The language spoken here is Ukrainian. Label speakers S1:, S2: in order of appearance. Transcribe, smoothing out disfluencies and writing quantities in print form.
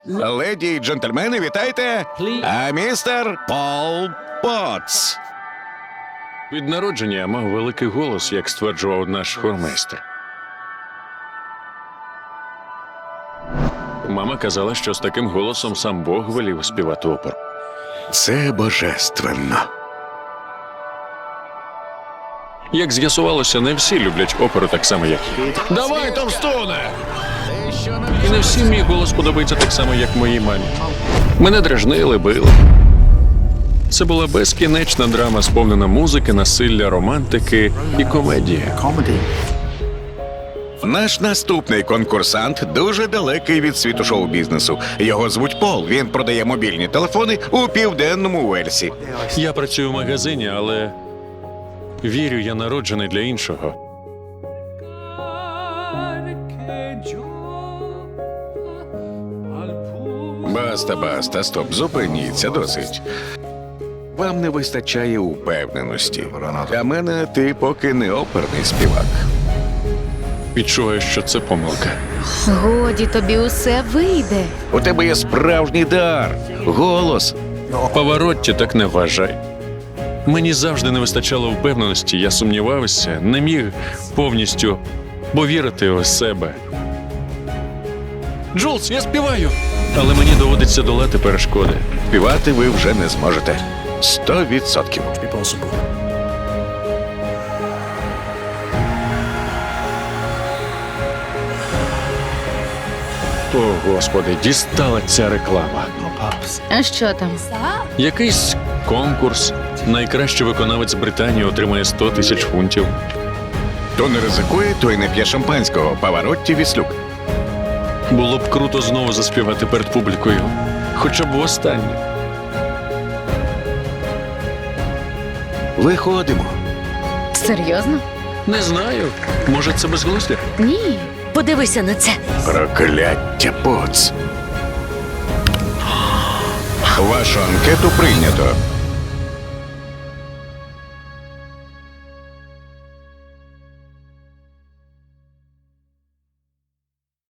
S1: Леді й джентльмени, вітайте! А містер Пол Потц.
S2: Від народження я мав великий голос, як стверджував наш хормейстер. Мама казала, що з таким голосом сам Бог велів співати оперу.
S1: Це божественно.
S2: Як з'ясувалося, не всі люблять оперу так само, як я. Давай, товстуне! І не всім мій голос подобається так само, як моїй мамі. Мене дражнили, били. Це була безкінечна драма, сповнена музики, насилля, романтики і комедії.
S1: Наш наступний конкурсант дуже далекий від світу шоу-бізнесу. Його звуть Пол. Він продає мобільні телефони у південному Уельсі.
S2: Я працюю в магазині, але вірю, я народжений для іншого.
S1: Баста, стоп, зупиніться, досить. Вам не вистачає упевненості. Для мене ти поки не оперний співак.
S2: Відчуваю, що це помилка.
S3: Годі, тобі усе вийде.
S1: У тебе є справжній дар, голос.
S2: Поворотті так не вважай. Мені завжди не вистачало впевненості, я сумнівався, не міг повністю повірити у себе. Джулс, я співаю! Але мені доводиться долати перешкоди.
S1: Співати ви вже не зможете. 100%.
S2: О, Господи, дістала ця реклама.
S3: А що там?
S2: Якийсь конкурс. Найкращий виконавець Британії отримає 100 000 фунтів.
S1: Хто не ризикує, той не п'є шампанського. Паваротті Віслюк.
S2: Було б круто знову заспівати перед публікою. Хоча б востаннє.
S1: Виходимо.
S3: Серйозно?
S2: Не знаю. Може, це безглуздя?
S3: Ні. Подивися на це.
S1: Прокляття Потц. Вашу анкету прийнято.